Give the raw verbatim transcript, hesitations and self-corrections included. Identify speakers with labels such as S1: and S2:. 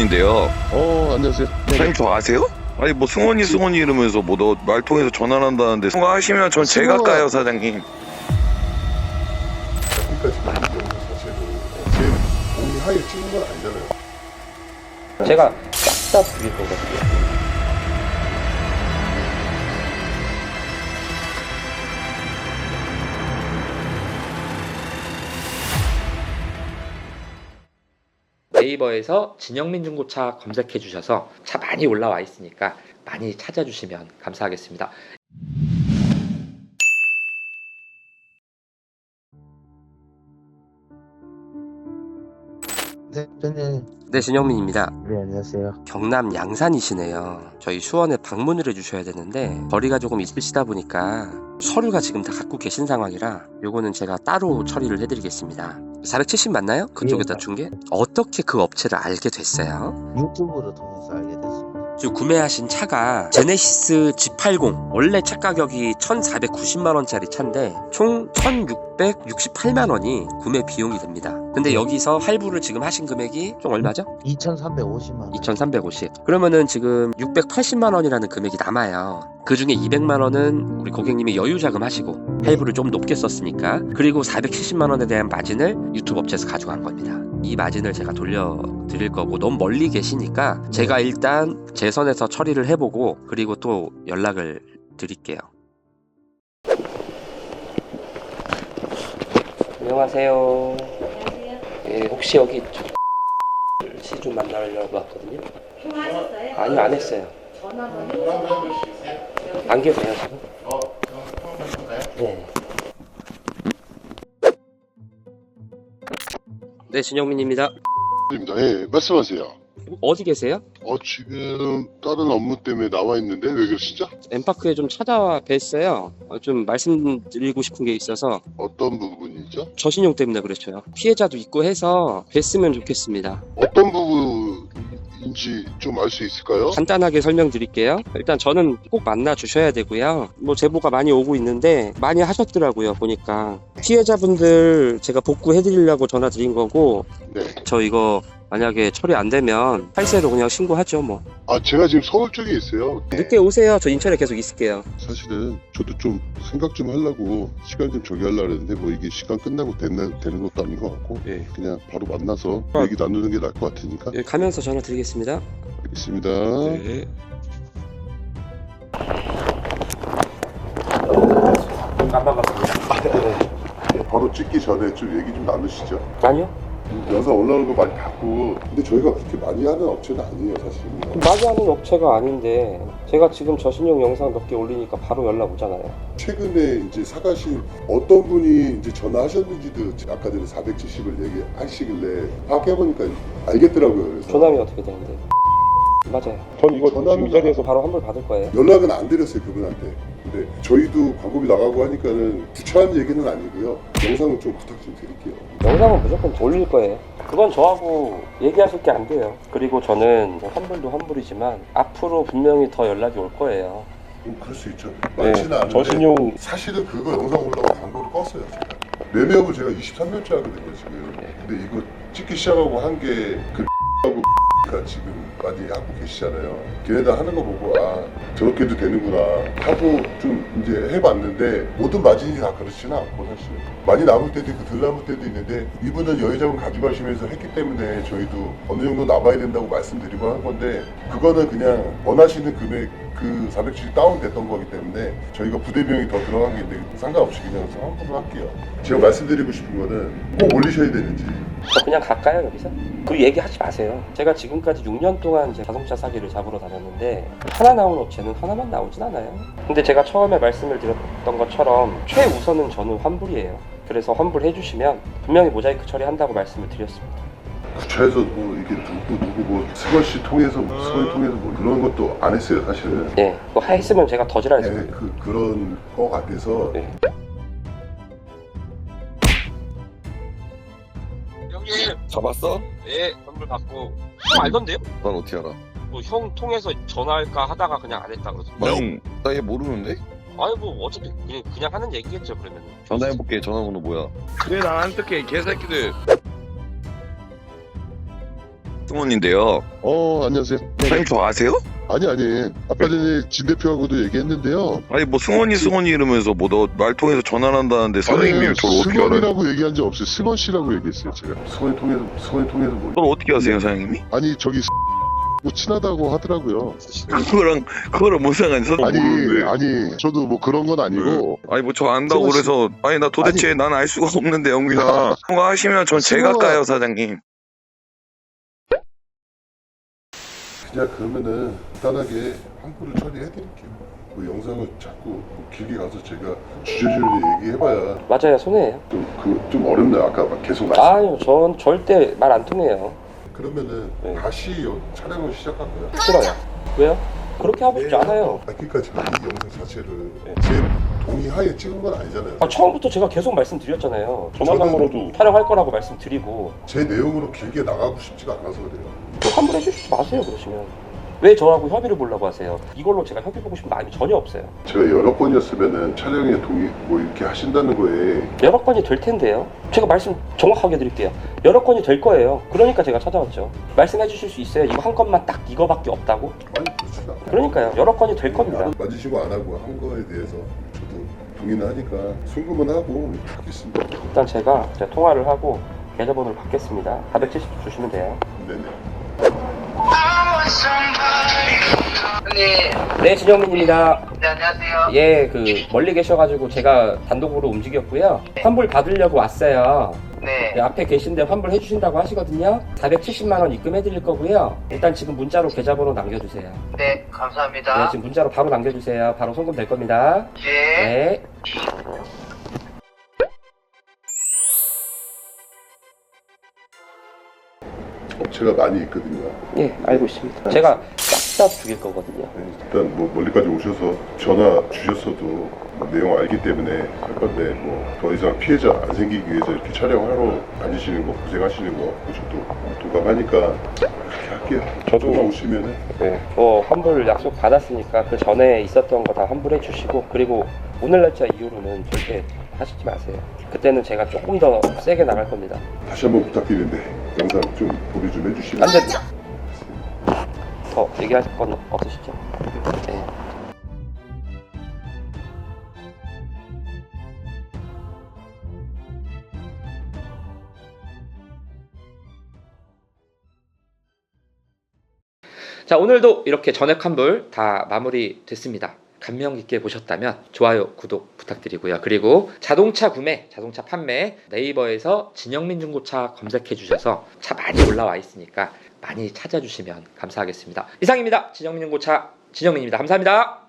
S1: 승원인데요.
S2: 어, 안녕하세요.
S1: 사장님 저 아세요? 아니 뭐 승원이 승원이 이러면서 뭐 너 말 통해서 전화를 한다는데 통화하시면 전 제가
S2: 승원아.
S1: 까요 사장님.
S2: 여기까지 많은 경우 사실은 제 몸이 하얘 찍는 건 아니잖아요.
S3: 제가 싹 다 부릴 거거든요. 네이버에서 진영민 중고차 검색해 주셔서 차 많이 올라와 있으니까 많이 찾아주시면 감사하겠습니다.
S4: 네, 네,
S3: 네, 진영민입니다.
S4: 네, 안녕하세요.
S3: 경남 양산이시네요. 저희 수원에 방문을 해주셔야 되는데 거리가 조금 있으시다 보니까 서류가 지금 다 갖고 계신 상황이라 요거는 제가 따로 처리를 해드리겠습니다. 사백칠십 맞나요? 그쪽에다
S4: 예,
S3: 준 게? 어떻게 그 업체를 알게 됐어요?
S4: 유튜브로 통해서 알게 됐습니다.
S3: 지금 구매하신 차가 제네시스 지 팔십. 원래 차 가격이 천사백구십만 원짜리 차인데 총 천육백육십팔만 원이 구매 비용이 됩니다. 근데 여기서 할부를 지금 하신 금액이 총 얼마죠?
S4: 이천삼백오십만 원.
S3: 이천삼백오십. 그러면은 지금 육백팔십만 원이라는 금액이 남아요. 그 중에 이백만 원은 우리 고객님이 여유자금 하시고 할부를 좀 높게 썼으니까, 그리고 사백칠십만 원에 대한 마진을 유튜브 업체에서 가져간 겁니다. 이 마진을 제가 돌려드릴 거고, 너무 멀리 계시니까 제가 일단 제 선에서 처리를 해보고 그리고 또 연락을 드릴게요. 안녕하세요. 예, 혹시 여기 씨 좀 만나려고 왔거든요.
S5: 통화하셨어요?
S3: 아니요, 안 했어요.
S5: 전화 한번 해보세요.
S3: 안 계세요 지금?
S2: 어, 그럼 한번 해볼까요?
S3: 네. 네, 진영민입니다.
S2: 입니다. 예, 말씀하세요.
S3: 어디 계세요?
S2: 어, 지금 다른 업무 때문에 나와 있는데 왜 그러시죠?
S3: 엠파크에 좀 찾아와 뵀어요. 어, 좀 말씀드리고 싶은 게 있어서.
S2: 어떤 부분이죠?
S3: 저신용 때문에 그렇죠. 피해자도 있고 해서 뵀으면 좋겠습니다.
S2: 어떤 부분인지 좀 알 수 있을까요?
S3: 간단하게 설명드릴게요. 일단 저는 꼭 만나 주셔야 되고요. 뭐 제보가 많이 오고 있는데 많이 하셨더라고요, 보니까. 피해자분들 제가 복구해드리려고 전화 드린 거고,
S2: 네.
S3: 저 이거 만약에 처리 안 되면 팔세로 그냥 신고하죠 뭐.
S2: 아, 제가 지금 서울 쪽에 있어요.
S3: 늦게 오세요. 저 인천에 계속 있을게요.
S2: 사실은 저도 좀 생각 좀 하려고 시간 좀 저기 하려고 했는데 뭐 이게 시간 끝나고 되는, 되는 것도 아닌 것 같고
S3: 예.
S2: 그냥 바로 만나서
S3: 아.
S2: 얘기 나누는 게 나을 것 같으니까.
S3: 예, 가면서 전화 드리겠습니다.
S2: 알겠습니다.
S3: 네. 안 반갑습니다.
S2: 바로 찍기 전에 좀 얘기 좀 나누시죠.
S3: 아니요.
S2: 영상 올라오는 거 많이 봤고, 근데 저희가 그렇게 많이 하는 업체는 아니에요 사실.
S3: 많이 하는 업체가 아닌데 제가 지금 저신용 영상 몇 개 올리니까 바로 연락 오잖아요.
S2: 최근에 이제 사가신 어떤 분이 이제 전화하셨는지도 아까 전에 사백칠십을 얘기하시길래 파악해보니까 알겠더라고요. 그래서
S3: 조남이 어떻게 되는데? 맞아요.
S2: 전 이거 전화는
S3: 이 자리에서 바로 환불 받을 거예요.
S2: 연락은 안 드렸어요 그분한테. 근데 저희도 광고비 나가고 하니까는 구차한 얘기는 아니고요. 영상은 좀 부탁 좀 드릴게요.
S3: 영상은 무조건 올릴 거예요. 그건 저하고 얘기하실 게 안 돼요. 그리고 저는 뭐 환불도 환불이지만 앞으로 분명히 더 연락이 올 거예요.
S2: 뭐 그럴 수 있죠. 많지는 않은데
S3: 저신용
S2: 사실은 그거 영상 올라오고 광고를 껐어요 제가. 매매업을 제가 이십삼 년째 하거든요 지금. 근데 이거 찍기 시작하고 한 게그 하고 가 지금 많이 하고 계시잖아요. 걔네들 하는 거 보고 아 저렇게도 되는구나 하고 좀 이제 해봤는데 모든 마진이 다 그렇지는 않고 사실 많이 남을 때도 있고 덜 남을 때도 있는데 이분은 여유자금 가져가시면서 했기 때문에 저희도 어느 정도 남아야 된다고 말씀드리고 한 건데 그거는 그냥 원하시는 금액 그 사백칠십 다운됐던 거기 때문에 저희가 부대비용이 더 들어간 게 있는데 상관없이 그냥 환불을 할게요. 제가 말씀드리고 싶은 거는 꼭 올리셔야 되는지.
S3: 저 그냥 갈까요 여기서? 그 얘기하지 마세요. 제가 지금까지 육 년 동안 이제 자동차 사기를 잡으러 다녔는데 하나 나온 업체는 하나만 나오진 않아요. 근데 제가 처음에 말씀을 드렸던 것처럼 최우선은 저는 환불이에요. 그래서 환불해 주시면 분명히 모자이크 처리한다고 말씀을 드렸습니다.
S2: 구차에서 뭐 이게 누구 누구 뭐 승원 씨 통해서 뭐 승원이 통해서 뭐 그런 것도 안 했어요 사실은.
S3: 네, 그거 했으면 제가 더 지랄
S2: 네,
S3: 했을 거예요.
S2: 그 그런 거 같아서.
S3: 네.
S6: 형님,
S1: 잡았어?
S6: 네, 선물 받고. 형 알던데요?
S1: 난 어떻게 알아?
S6: 뭐 형 통해서 전화할까 하다가 그냥 안 했다 그러던데.
S1: 형, 나 얘 모르는데?
S6: 아니 뭐 어차피 그냥, 그냥 하는 얘기겠죠 그러면은.
S1: 전화해볼게. 전화번호 뭐야? 그래 나 안 쓸게 개새끼들. 승원인데요.
S2: 어 안녕하세요.
S1: 사장님 저 아세요?
S2: 아니 아니 아까 전에 진 대표하고도 얘기했는데요.
S1: 아니 뭐 승원이 승원이 이러면서 뭐 너 말통해서 전화를 한다는데 사장님이
S2: 아니,
S1: 저를 어떻게 알아요?
S2: 승원이라고 얘기한 적 없어요. 승원 씨라고 얘기했어요 제가. 승원이 통해서 승원이 통해서 뭐?
S1: 그걸 어떻게 아세요 사장님이?
S2: 아니 저기 뭐 친하다고 하더라고요.
S1: 그거랑 그거랑 뭔 상관이 있어?
S2: 아니
S1: 모르는데.
S2: 아니 저도 뭐 그런 건 아니고.
S1: 아니 뭐 저 안다고
S2: 승원 씨-
S1: 그래서 아니 나 도대체 난 알 수가 없는데 영빈아 통화하시면 전 제가
S2: 승원아.
S1: 까요 사장님.
S2: 그냥 그러면은 간단하게 환불을 처리해드릴게요. 그 영상을 자꾸 뭐 길게 가서 제가 주저주저 얘기해봐야
S3: 맞아요, 손해예요.
S2: 좀그좀 어렵네요. 아까 막 계속 말씀.
S3: 아유, 전 절대 말 안 통해요.
S2: 그러면은
S3: 네.
S2: 다시 여- 촬영을 시작할까요?
S3: 싫어요. 왜요? 그렇게 하고 싶지 않아요.
S2: 아, 그러니까 제가 이 영상 자체를
S3: 네.
S2: 제 동의하에 찍은 건 아니잖아요.
S3: 아, 처음부터 제가 계속 말씀드렸잖아요. 전화상으로도 촬영할 거라고 말씀드리고.
S2: 제 내용으로 길게 나가고 싶지가 않아서 그래요.
S3: 환불해 주시지 마세요, 그러시면. 왜 저하고 협의를 보려고 하세요? 이걸로 제가 협의 보고 싶은 마음이 전혀 없어요.
S2: 제가 여러 번이었으면은 촬영에 동의 뭐 이렇게 하신다는 거에
S3: 여러 건이 될 텐데요. 제가 말씀 정확하게 드릴게요. 여러 건이 될 거예요. 그러니까 제가 찾아왔죠. 말씀해 주실 수 있어요? 이거 한 건만 딱 이거밖에 없다고?
S2: 많이 그렇지도 않아요.
S3: 그러니까요. 여러 건이 될 겁니다.
S2: 만지시고 안 하고 한 거에 대해서 저도 동의는 하니까 순금은 하고 하겠습니다.
S3: 일단 제가, 제가 통화를 하고 계좌번호를 받겠습니다. 사백칠십 주시면 돼요.
S2: 네네.
S7: 네,
S3: 네, 진영민입니다.
S7: 네, 안녕하세요.
S3: 예, 그 멀리 계셔가지고 제가 단독으로 움직였고요. 환불 받으려고 왔어요.
S7: 네,
S3: 네, 앞에 계신데 환불 해주신다고 하시거든요. 사백칠십만 원 입금해드릴 거고요. 일단 지금 문자로 계좌번호 남겨주세요.
S7: 네,
S3: 네,
S7: 감사합니다.
S3: 지금 문자로 바로 남겨주세요. 바로 송금 될 겁니다.
S7: 네.
S3: 네.
S2: 업체가 많이 있거든요.
S3: 예, 알고 있습니다. 제가 싹 다 죽일 거거든요.
S2: 네, 일단 뭐 멀리까지 오셔서 전화 주셨어도 뭐 내용 알기 때문에 할 건데 뭐 더 이상 피해자 안 생기기 위해서 이렇게 촬영하러 다니시는 거 고생하시는 거 저도 동감하니까 그렇게 할게요.
S3: 저도-
S2: 전화 오시면은
S3: 네. 뭐 환불 약속 받았으니까 그 전에 있었던 거 다 환불해 주시고, 그리고 오늘 날짜 이후로는 절대 하시지 마세요. 그때는 제가 조금 더 세게 나갈 겁니다.
S2: 다시 한번 부탁드리는데 영상 좀 보류 좀 해주시면
S3: 안 됩니다. 더 얘기할 건 없으시죠? 네. 자, 오늘도 이렇게 전액 환불 다 마무리 됐습니다. 감명 깊게 보셨다면 좋아요, 구독 부탁드리고요. 그리고 자동차 구매, 자동차 판매 네이버에서 진영민 중고차 검색해 주셔서 차 많이 올라와 있으니까 많이 찾아주시면 감사하겠습니다. 이상입니다. 진영민 중고차 진영민입니다. 감사합니다.